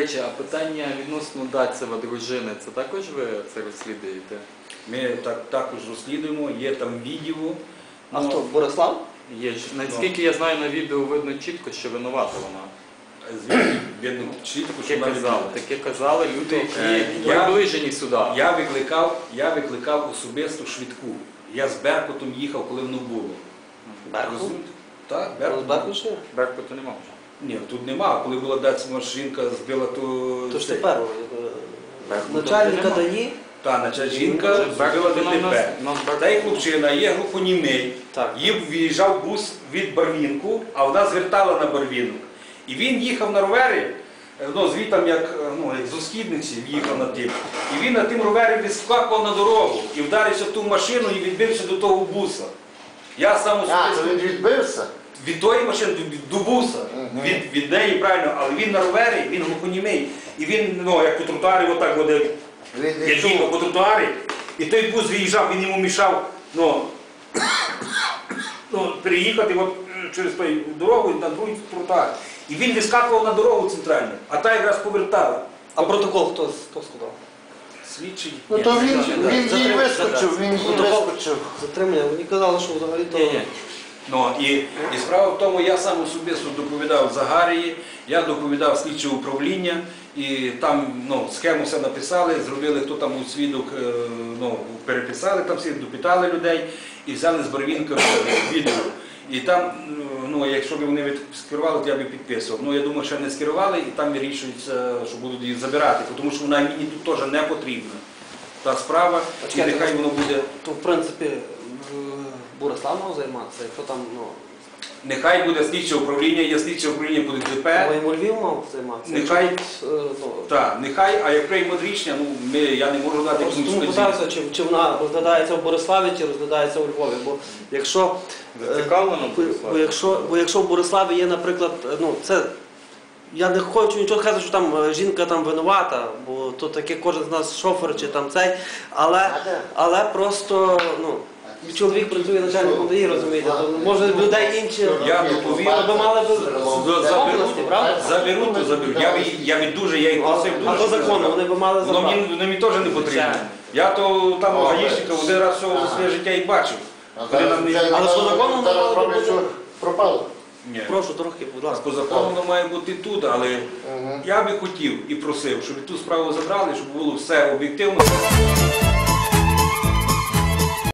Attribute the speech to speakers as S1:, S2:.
S1: речі, а питання відносно Дацева дружини, це також ви це розслідуєте?
S2: Ми також розслідуємо, є там відео.
S3: А хто, Борислав?
S1: Є ж, наскільки я знаю, на відео видно чітко, що винувата вона.
S2: Звідки видно чітко, що
S1: Таке казали люди, які приближені сюди.
S2: Я викликав особисто швидку. Я з Беркутом їхав, коли воно було.
S3: Беркут?
S2: Так,
S3: Беркут.
S1: Беркуту нема вже.
S2: Ні, тут нема. Коли була Дацева жінка, збила, то...
S3: То ж тепер начальника ДАІ?
S2: Та, жінка збила ДТП. Та й хлопчина є глухонімий. Їм виїжджав бус від Барвінку, а вона звертала на Барвінок. І він їхав на ровері, звітом як з Оскідниці їхав на тим. І він на тим ровері відскакував на дорогу і вдарився в ту машину і відбився до того буса. Я сам
S4: особисто... він відбився?
S2: Від тої машини до буса, від неї, правильно, але він на ровері, він глухонімий. І він, як по тротуарі, отак водив. Я їхав по тротуарі, і той бус виїжджав, він йому мішав переїхати через ту дорогу на другий тротуар. І він вискакував на дорогу центральну, а та якраз повертала.
S3: А протокол хто складав?
S2: Слідчий.
S4: Ну то він їй вискочив,
S3: Затримання, мені казали, що взагалі то...
S2: І справа в тому, я сам особисто доповідав Загарії, я доповідав слідче управління, і там схему все написали, зробили, хто там був свідок, переписали там всіх, допитали людей і взяли з Барвінка відео. І там, якщо б вони скерували, то я б підписував. Я думаю, що не скерували, і там вирішується, що будуть її забирати, тому що вона мені тут теж не потрібна. Та справа, і нехай воно буде...
S3: То, в принципі, Борислав мав займатися, якщо там,
S2: Нехай буде слідче управління, є слідче управління по ДТП.
S3: Йому Львів мав займатися.
S2: Нехай, а як приймуть рішення, я не можу дати якусь
S3: Тому питаюся, чи вона розглядається в Бориславі, чи розглядається у Львові. Бо якщо в Бориславі є, наприклад, я не хочу нічого сказати, що там жінка там винувата, бо то таке кожен з нас шофер чи там цей, але просто, чоловік працює начальником ДАІ, розумієте, може людей інші,
S2: ви
S3: мали б області, правда?
S2: Заберуть, то заберуть. Я їх просив дуже.
S3: А по закону вони б мали забрати.
S2: Воно мені теж не потрібно. Я то там гаїшника один раз всього за своє життя і бачив.
S3: Але по закону воно мало б бути...
S4: Пропало?
S3: Прошу, трохи, будь ласка.
S2: По закону воно має бути тут, але я би хотів і просив, щоб ту справу забрали, щоб було все об'єктивно.